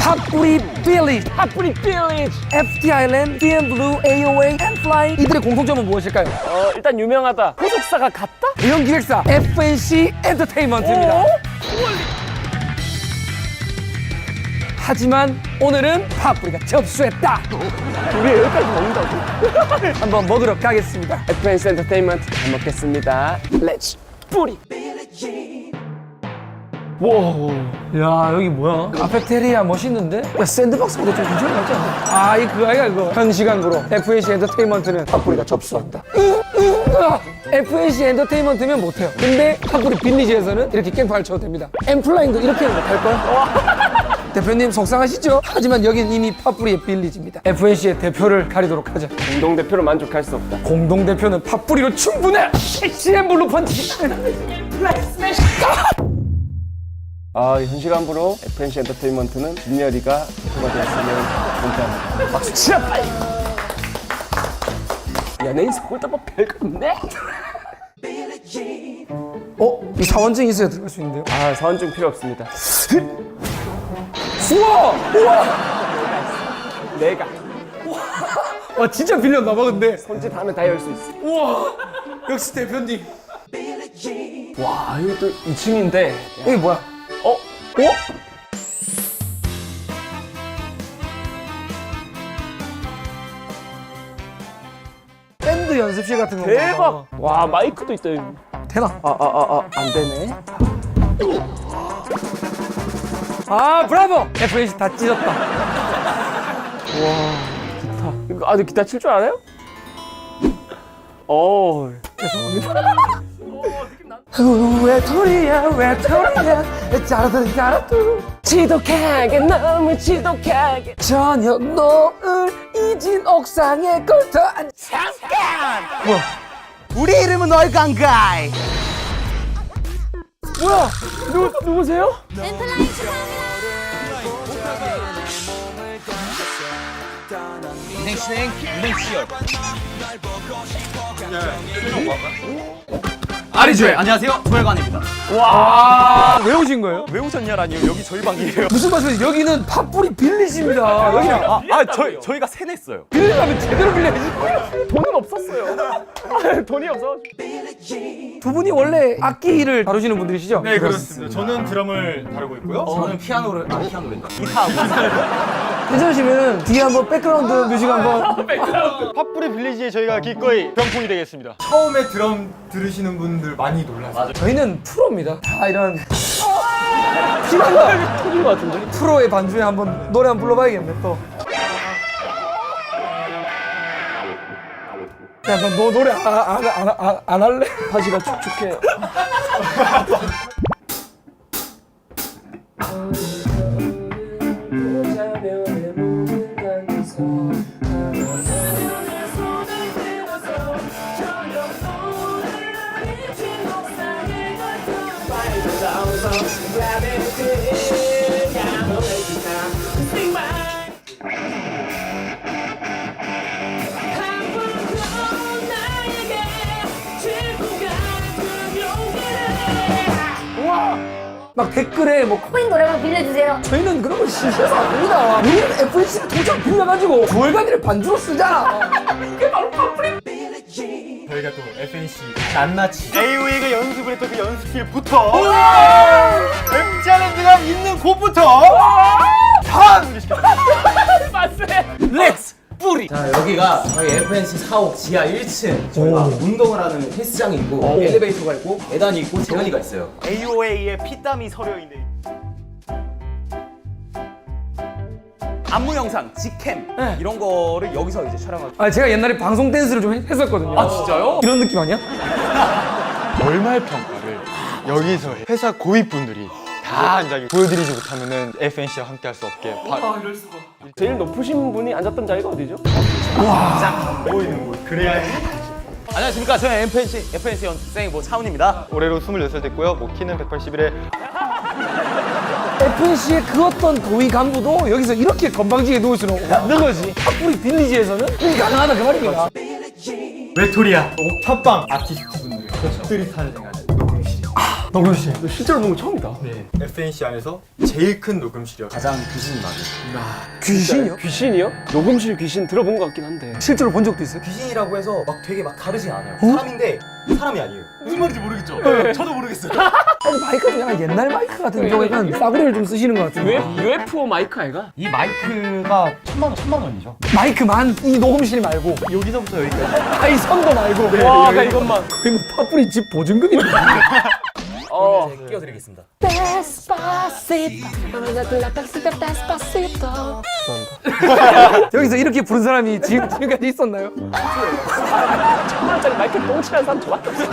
팥뿌리 빌리지, 핫뿌리 빌리지. FT 아일랜드, DM 블루, AOA, 엠플라잉. 이들의 공통점은 무엇일까요? 일단 유명하다. 소속사가 같다? 대형 기획사 FNC 엔터테인먼트입니다. 하지만 오늘은 팥뿌리가 접수했다. 우리 여기까지 먹는다고? 한번 먹으러 가겠습니다. FNC 엔터테인먼트 잘 먹겠습니다. 렛츠 뿌리. 와. 야 여기 뭐야? 카페테리아 멋있는데? 야 샌드박스보다 좀 괜찮은 것 같지 않나? 아 이 그거 아이가 이거 현 시간으로 FNC 엔터테인먼트는 팥뿌리가 접수한다. FNC 엔터테인먼트면 못해요. 근데 팥뿌리 빌리지에서는 이렇게 깽판을 쳐도 됩니다. 엠플라잉도 이렇게는 못할걸? 대표님 속상하시죠? 하지만 여긴 이미 팥뿌리의 빌리지입니다. FNC의 대표를 가리도록 하자. 공동대표로 만족할 수 없다. 공동대표는 팥뿌리로 충분해! 섹시한 블루 펀치! 현시간부로 FNC 엔터테인먼트는 민열이가 대표가 되었으면 감사합니다. 박수 치라 빨리! 연예인 서울다뭐 별거 없네? 이 사원증 있어야 들어갈 수 있는데요? 사원증 필요 없습니다. 우와! 우와! 내가 와 진짜 빌렸나 봐 근데. 손짓 하면 다 열 수 있어. 우와! 역시 대표님. 와, 이거 또 2층인데. 이게 뭐야? 어? 밴드 연습실 같은 거. 대박! 와, 마이크도 있다, 여기. 되나? 안 되네. 브라보! FNC 다 찢었다. 이거, 너 기타 칠 줄 알아요? 외톨이야 짜라뚜 지독하게, 너무 지독하게. 저녁 노을 잊은 옥상에 걸터 앉. 잠깐! 뭐야? 우리 이름은 얼간가이. 뭐야? 누구세요? 엠플라잉 축하합니다. 진행 시열. 아리조에 안녕하세요 조혈관입니다. 왜 오신 거예요? 왜 오셨냐라니요? 여기 저희 방이에요. 무슨 말씀이세요? 여기는 팥뿌리 빌리지입니다. 여기는 저희가 세냈어요. 빌리려면 제대로 빌려야지. 돈은 없었어요. 돈이 없어가지고. 두 분이 원래 악기를 다루시는 분들이시죠? 네 그렇습니다. 저는 드럼을 다루고 있고요. 저는 피아노랜다. 괜찮으시면 뒤에 한번 백그라운드 뮤직 한번. 팥뿌리 빌리지에 저희가 기꺼이 병풍이 되겠습니다. 처음에 드럼 들으시는 분들 많이 놀라세요. 저희는 프로입니다. 다 이런 피난다 터진 것 같은데? 프로의 반주에 한번 노래 한번 불러봐야겠네 또. 야, 너 노래 안 할래? 바지가 촉촉해요. 막 댓글에 뭐 코인 노래방 빌려주세요. 저희는 그런 거 싫어서 안 합니다. 우리는 FNC를 도장 빌려가지고 조혈관이를 반주로 쓰잖아. 저희가 또 FNC 낱낱이 AOA가 연습을 했던 그 연습실부터 엠자랜드가 있는 곳부터 다 소개시켜드립니다. 렛츠 뿌리. 자 여기가 저희 FNC 사옥 지하 1층 저희가 운동을 하는 헬스장이 있고 엘리베이터가 있고 계단이 있고 재현이가 있어요. AOA의 피땀이 서려있네. 안무 영상, 직캠 이런 거를 여기서 이제 촬영하고. 제가 옛날에 방송 댄스를 좀 했었거든요. 진짜요? 이런 느낌 아니야? 월말 평가를 여기서 해. 회사 고위분들이 다 앉아 보여드리지 못하면은 FNC와 함께 할 수 없게 제일 높으신 분이 앉았던 자리가 어디죠? 보이는 곳. 그래야지. 안녕하십니까. 저는 FNC 연습생 차훈입니다. 올해로 26살 됐고요. 키는 181에 FNC의 그 어떤 고위 간부도 여기서 이렇게 건방지게 누울 수는 없는 거지. 팥뿌리 빌리지에서는 그게 가능하다 그 말입니다. 외톨이야 옥탑방 아티스트 분들이 타는 생각을 녹음실이 녹음실. 실제로 보면 처음이다. 네. FNC 안에서 제일 큰 녹음실이요. 가장 귀신이 많은. 귀신이요? 귀신이요? 녹음실 귀신 들어본 것 같긴 한데. 실제로 본 적도 있어요? 귀신이라고 해서 막 되게 막 다르진 않아요. 사람인데 사람이 아니에요. 무슨 말인지 모르겠죠? 저도 모르겠어요. 아니 마이크가 좀 약간 옛날 마이크 같은 경우 약간 싸구려를 좀 쓰시는 것 같은데. UFO 마이크 아이가? 이 마이크가 1,000만 원이죠. 마이크만 이 녹음실 말고 여기서부터 여기까지. 아이 선도 말고 와, 아까 이것만. 거의 뭐 파뿌리 집 보증금인데. 네, 끼워드리겠습니다. 여기서 이렇게 부른 사람이 지금까지 있었나요? 천만짜리 마이크 똥칠한 사람 저밖에 없어.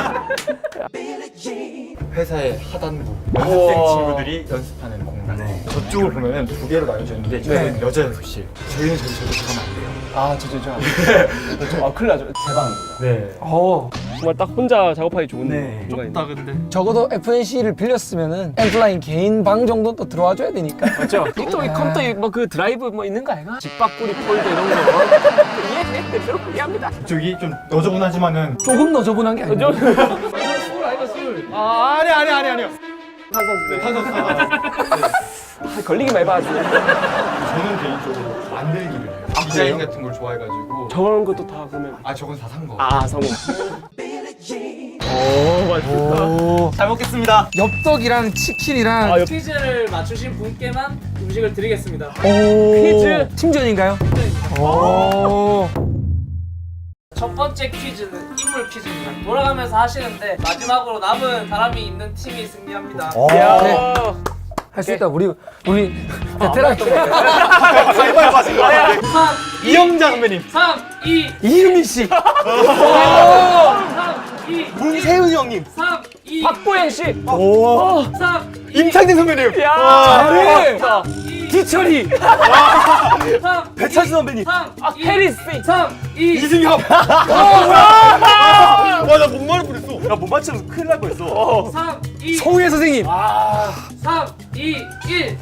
회사의 하단부 연습생 친구들이 연습하는 공간. 저쪽을 보면은 두 개로 나뉘어져 있는데 저희는 여자 연습실. 저희는 저기서 들어가면 안 돼요. 아, 아, 큰일 나죠. 제 방입니다. 네. 정말 딱 혼자 작업하기 좋은 공간인데. 좁다 근데. 적어도 FNC를 빌렸으면은 엠플라인 개인 방 정도 또 들어와 줘야 되니까. 맞죠? 또 이 컴퓨터 뭐그 드라이브 뭐 있는 거 아이가? 집밥구리 폴더 이런 거. 이해? 대표로 이해합니다. 저기 좀 너저분하지만은 조금 너저분한 게 아니고. 술 아이가 술. 아, 아니요. 탄산수. 아, 걸리기만 해봐 아주. 저는 개인적으로 만들기를 해요. 디자인 같은 걸 좋아해가지고. 저런 것도 다 그러면. 아 저건 다 산 거. 아, 성공. 오, 맛있다. 잘 먹겠습니다. 엽떡이랑 치킨이랑 퀴즈를 맞추신 분께만 음식을 드리겠습니다. 퀴즈. 팀전인가요? 오. 첫 번째 퀴즈는 인물 퀴즈입니다. 돌아가면서 하시는데 마지막으로 남은 사람이 있는 팀이 승리합니다. 네. 할 수 있다. 우리 베테랑 3, 이영자 선배님. 3, 2, 이유미 씨. 3, 2, 문세윤 형님. 3, 2, 박보영 씨. 3, 2, 임창진 선배님. 야, 잘해. 2, 기철이. 3, 배철수 선배님. 3, 아, 2, 캐리 씨. 3, 2, 이승엽. 와나 못 말을 뻔했어. 야, 못 맞추면 큰일 날 뻔했어. 3, 2, 송혜 선생님. 3, 2, 1.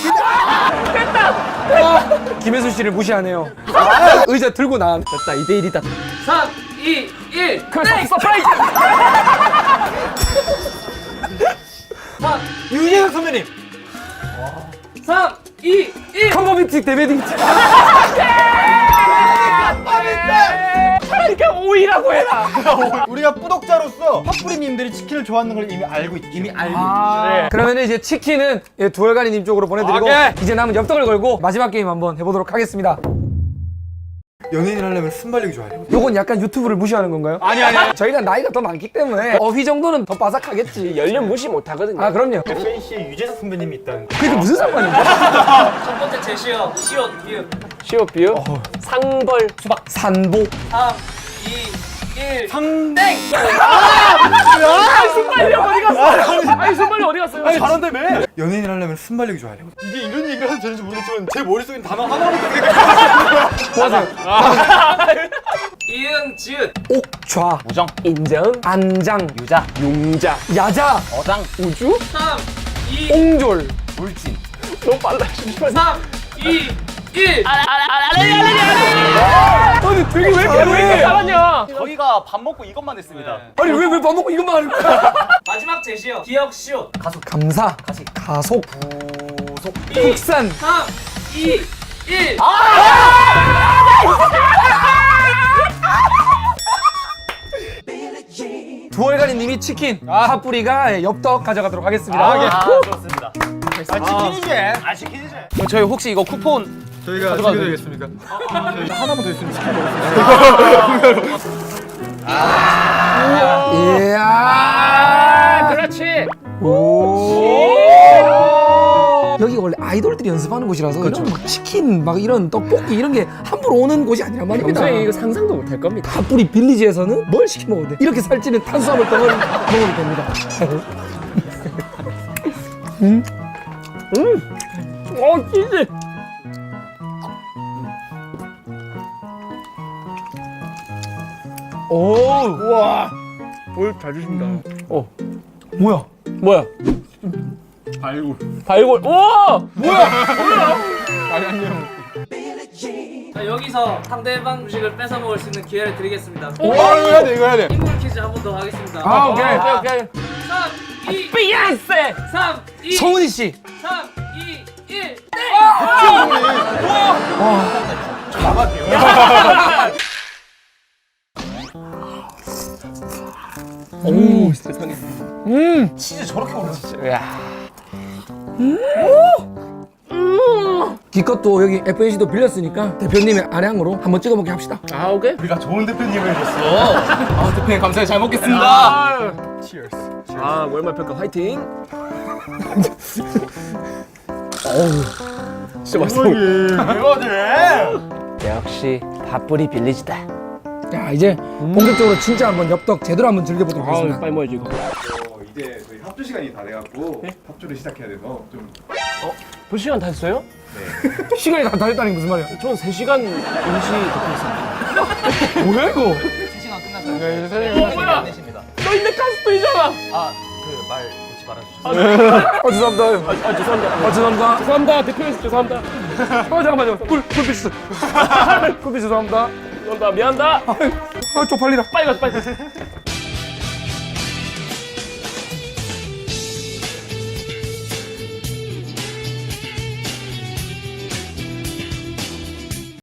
김혜수 씨를 무시하네요. 의자 들고 나왔. 됐다. 2대1이다. 3, 2, 1. 서프라이즈. 3, 유재석 선배님. 3, 2, 1. 컴버비트 데베딩. 차라리 그냥 오이라고 해라. 우리가 뿌독자로서 핫뿌리님들이 치킨을 좋아하는 걸 이미 알고 있죠. 이미 알고. 그러면 이제 치킨은 두얼가리님 쪽으로 보내드리고 오케이. 이제 남은 엽떡을 걸고 마지막 게임 한번 해보도록 하겠습니다. 연예인 하려면 순발력이 좋아야 돼. 요건 약간 유튜브를 무시하는 건가요? 아니. 저희가 나이가 더 많기 때문에 어휘 정도는 더 바삭하겠지. 연령 무시 못 하거든요. 아 그럼요. FNC에 유재석 선배님이 있다는 거. 그게 무슨 상관인데? 첫 번째 제시어 시옷 비읍. 시오 비유. 상벌. 산보. 3, 2, 1. 땡! 순발력 어디 갔어? 아니, 순발력 어디 갔어요? 아니, 잘한다며. 연예인 하려면 순발력이 좋아야 돼. 이게 이런 얘기를 해도 되는지 모르겠지만 제 머릿속엔 단어 하나밖에 생각이 이응 지읒. 옥좌. 무정. 인정. 안장. 유자. 용자. 야자. 어장. 우주. 3, 2, 옹졸. 물진. 너무 빨라. 잠시만. 3, 2, 1. 아니 되게 왜 왜 잘하냐? 저희가 밥 먹고 이것만 했습니다. 아니 왜 밥 먹고 이것만 하는 거야? 마지막 제시어 기억 시옷. 감사. 가속. 부속. 국산. 3, 2, 1. 두얼가리님이 치킨, 핫뿌리가 엽떡 가져가도록 하겠습니다. 아, 좋습니다. 치킨이지. 치킨이지. 저희 혹시 이거 쿠폰 저희가 준비되겠습니까? 하나만 더 있으면 치킨 먹을 수 있어요. 이야. 그렇지. 여기 원래 아이돌들이 연습하는 곳이라서 이런 막 치킨, 막 이런 떡볶이 이런 게 함부로 오는 곳이 아니란 말입니다. 평소에 이거 상상도 못 할 겁니다. 핫뿌리 빌리지에서는 뭘 시켜 먹어도 돼. 이렇게 살찌는 탄수화물 덩어리 먹어도 됩니다. 치즈. 오, 우와. 볼 잘 주신다. 뭐야? 뭐야? 발골. 우와! 뭐야? 자, 여기서 상대방 음식을 뺏어 먹을 수 있는 기회를 드리겠습니다. 이거 해야 돼. 인물 퀴즈 한 번 더 하겠습니다. 아, 오케이. 3, 2, 비욘세! 3, 2, 성은이 씨. 3, 2, 1, 네! 치즈 저렇게 올라왔어. 기껏도 여기 FNC도 빌렸으니까 대표님의 아량으로 한번 찍어보게 합시다. 아, 오케이. 우리가 좋은 대표님을 해줬어. 아, 대표님 감사해요. 잘 먹겠습니다. Cheers. 아, 월말 평가 화이팅! 진짜 맛있어. 대박이네. 역시 밥풀이 빌리지다. 자 이제 본격적으로 진짜 한번 엽떡 제대로 한번 즐겨보도록 하겠습니다. 빨리 먹어야지 이거. 이제 저희 합주 시간이 다 돼갖고 합주를 시작해야 돼서 좀 몇 시간 다 했어요? 시간이 다 됐다니 무슨 말이야? 저는 3시간 임시 듣고 있었는데. 뭐야 이거? 3시간 끝났어요. 뭐야? 안 내십니다. 너 인내 가스토이잖아. 그 말 놓지 말아주셨어요. 죄송합니다. 죄송합니다. 죄송합니다. 죄송합니다. 대표님 죄송합니다. 잠깐만요. 쿨피스. 쿨피스 죄송합니다. 죄송합니다. 미안하다. 쪽팔리다. 빨리 가자 빨리 가자.